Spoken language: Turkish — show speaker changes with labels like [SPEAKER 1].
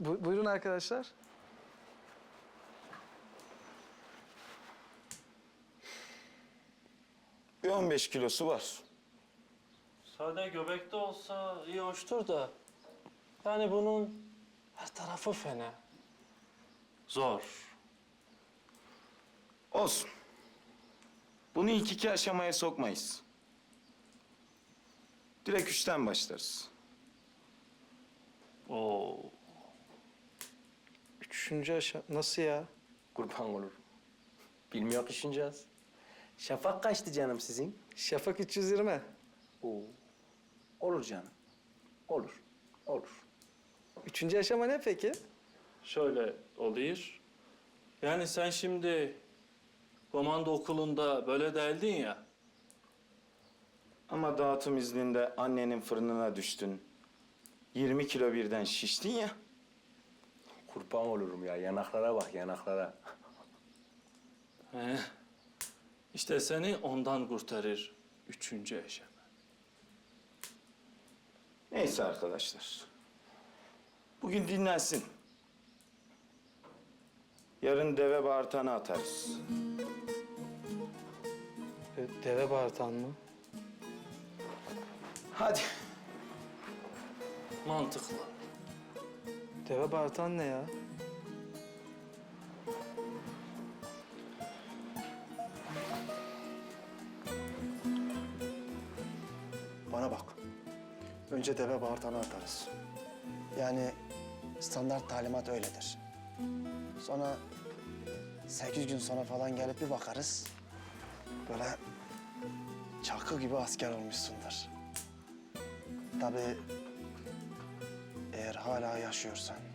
[SPEAKER 1] Buyurun arkadaşlar.
[SPEAKER 2] Bir 15 kilosu var.
[SPEAKER 3] Sade göbekte olsa iyi hoştur da. Yani bunun her tarafı fena. Zor.
[SPEAKER 2] Olsun. Bunu ilk iki aşamaya sokmayız. Direkt 3'ten başlarız.
[SPEAKER 3] Oo.
[SPEAKER 1] Üçüncü aşama. Nasıl ya?
[SPEAKER 4] Kurban olur. Bilmiyor düşüneceğiz. Şafak kaçtı canım sizin?
[SPEAKER 1] Şafak 320.
[SPEAKER 4] Oo. Olur canım. Olur. Olur.
[SPEAKER 1] Üçüncü aşama ne peki?
[SPEAKER 3] Şöyle oluyor. Yani sen şimdi komando okulunda böyle değildin ya.
[SPEAKER 2] Ama dağıtım izninde annenin fırınına düştün. 20 kilo birden şiştin ya.
[SPEAKER 4] Kurban olurum ya. Yanaklara bak, yanaklara.
[SPEAKER 3] He. İşte seni ondan kurtarır üçüncü aşama.
[SPEAKER 2] Neyse arkadaşlar. Bugün dinlensin. Yarın deve bağırtanı atarız.
[SPEAKER 1] Deve bağırtan mı?
[SPEAKER 2] Hadi.
[SPEAKER 3] Mantıklı.
[SPEAKER 1] Deve bağırtan ne ya?
[SPEAKER 5] Bana bak. Önce deve bağırtanı atarız. Yani standart talimat öyledir. Sonra 8 gün sonra falan gelip bir bakarız. Böyle çakı gibi asker olmuşsundur. Tabii eğer hala yaşıyorsan.